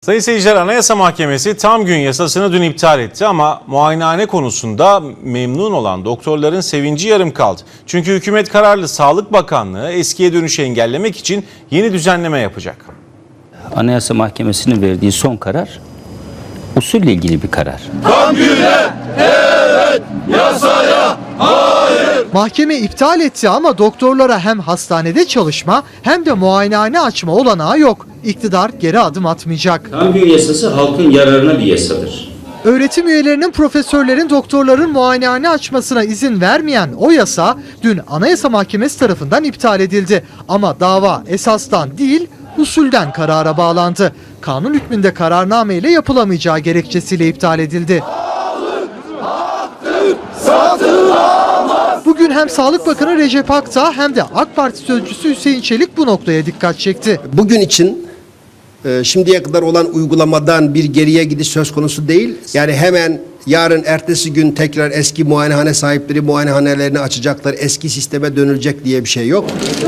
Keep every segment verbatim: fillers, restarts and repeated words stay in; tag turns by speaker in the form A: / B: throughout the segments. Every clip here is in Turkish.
A: Sayın seyirciler, Anayasa Mahkemesi tam gün yasasını dün iptal etti ama muayenehane konusunda memnun olan doktorların sevinci yarım kaldı. Çünkü hükümet kararlı, Sağlık Bakanlığı eskiye dönüşü engellemek için yeni düzenleme yapacak.
B: Anayasa Mahkemesi'nin verdiği son karar usulle ilgili bir karar.
C: Tam güne evet, yasaya hayır.
D: Mahkeme iptal etti ama doktorlara hem hastanede çalışma hem de muayenehane açma olanağı yok. İktidar geri adım atmayacak.
B: Tam gün yasası halkın yararına bir yasadır.
D: Öğretim üyelerinin, profesörlerin, doktorların muayenehane açmasına izin vermeyen o yasa dün Anayasa Mahkemesi tarafından iptal edildi. Ama dava esastan değil, usulden karara bağlandı. Kanun hükmünde kararname ile yapılamayacağı gerekçesiyle iptal edildi. Bugün hem Sağlık Bakanı Recep Akdağ hem de AK Parti sözcüsü Hüseyin Çelik bu noktaya dikkat çekti.
E: Bugün için e, şimdiye kadar olan uygulamadan bir geriye gidiş söz konusu değil. Yani hemen yarın ertesi gün tekrar eski muayenehane sahipleri muayenehanelerini açacaklar, eski sisteme dönülecek diye bir şey yok.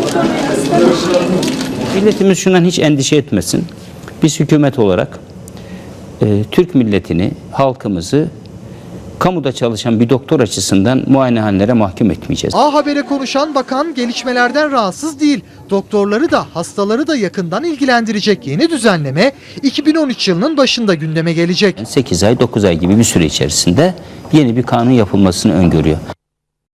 B: Milletimiz şundan hiç endişe etmesin. Biz hükümet olarak e, Türk milletini, halkımızı kamuda çalışan bir doktor açısından muayenehanelere mahkum etmeyeceğiz.
D: A Haber'e konuşan bakan gelişmelerden rahatsız değil. Doktorları da hastaları da yakından ilgilendirecek yeni düzenleme iki bin on üç yılının başında gündeme gelecek.
B: sekiz ay dokuz ay gibi bir süre içerisinde yeni bir kanun yapılmasını öngörüyor.